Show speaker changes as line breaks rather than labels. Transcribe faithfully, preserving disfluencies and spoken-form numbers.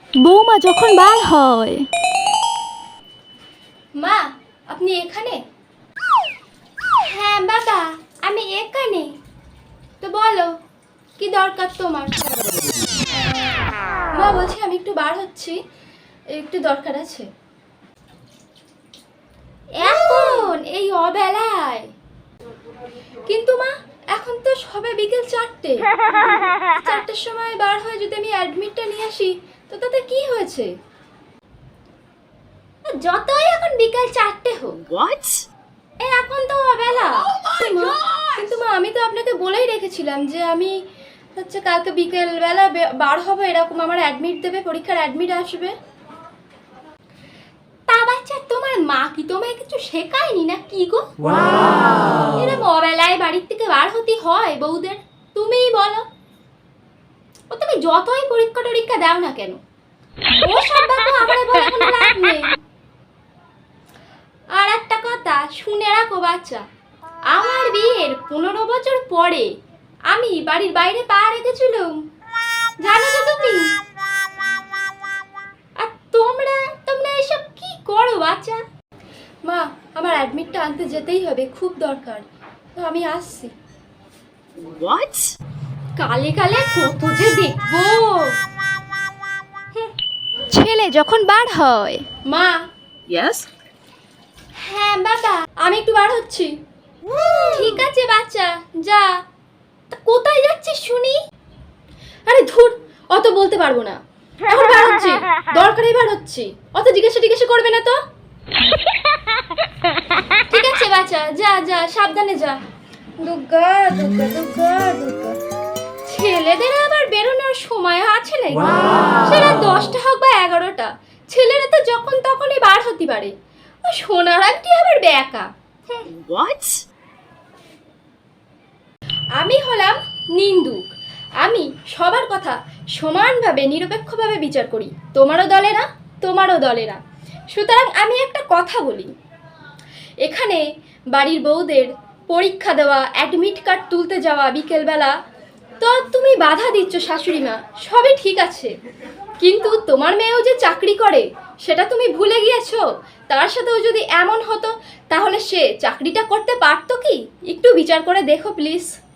বৌমা যখন বার হয়।
মা আপনি এখানে? হ্যাঁ বাবা আমি এখানে। তো বলো কি দরকার তোমার? মা বলছি আমি একটু বার হচ্ছি, একটু দরকার আছে। এখন এই অবেলায়? কিন্তু মা এখন তো সবে বিকেল চারটে, চারটের সময় বার হয়ে যদি আমি অ্যাডমিটটা নিয়ে আসি তো তাতে কি হয়েছে? যতই এখন বিকেল চারটে হোক, এই এখন তো অবেলা। মা কিন্তু মা আমি তো আপনাকে বলেই রেখেছিলাম যে আমি হচ্ছে কালকে বিকেল বেলা বার হবো, এরকম আমার অ্যাডমিট দেবে, পরীক্ষার অ্যাডমিট আসবে। তা বাচ্চা তোমার মা কি তোমায় কিছু শেখায়নি না কি গো? এরকম অবেলায় বাড়ির থেকে বার হতে হয় বউদের? তুমিই বলো। ও তুমি যতই পরীক্ষা টরীক্ষা দাও না কেন, ও সব ব্যাপারে আমারে বলে কোনো লাভ নেই। আর একটা কথা শুনে রাখো বাচ্চা, আমার বিয়ের পনেরো বছর পরে আমি বাড়ির বাইরে পা রেখেছিলাম, জানো তো তুমি? আর তোমরা তোমরা এসব কি করো বাচ্চা? মা আমার অ্যাডমিটটা আনতে যেতেই হবে, খুব দরকার, তো আমি আসছি। হোয়াট? কালে কালে কত যে দেখবো।
ছেলে যখন বার হয়।
মা
ইয়েস।
হ্যাঁ বাবা আমি একটু বার হচ্ছি। ঠিক আছে বাচ্চা যা। তা কোথায় যাচ্ছিস শুনি? আরে ধুর, অত বলতে পারবো না, এখন বার হচ্ছি, দরকারেই বার হচ্ছি, অত জিজ্ঞাসা টিজ্ঞাসা করবে না তো। ঠিক আছে বাচ্চা যা যা, সাবধানে যা। দুর্গা দুর্গা দুর্গা দুর্গা। ছেলেদের আবার বেরোনোর সময় আছে নাকি? সেটা দশটা হোক বা এগারোটা, ছেলেরা তো যখন তখনই বার হতে পারে। ও সোনার আংটি আবার বেকা। হোয়াট? আমি হলাম নিন্দুক, আমি সবার কথা সমানভাবে নিরপেক্ষভাবে বিচার করি, তোমারও দলে না তোমারও দলে না। সুতরাং আমি একটা কথা বলি, এখানে বাড়ির বউদের পরীক্ষা দেওয়া, অ্যাডমিট কার্ড তুলতে যাওয়া বিকেলবেলা, তো তুমি বাধা দিচ্ছ শাশুড়ি মা, সবই ঠিক আছে, কিন্তু তোমার মেয়েও যে চাকরি করে সেটা তুমি ভুলে গিয়েছো। তার সাথেও যদি এমন হতো তাহলে সে চাকরিটা করতে পারতো কি? একটু বিচার করে দেখো প্লিজ।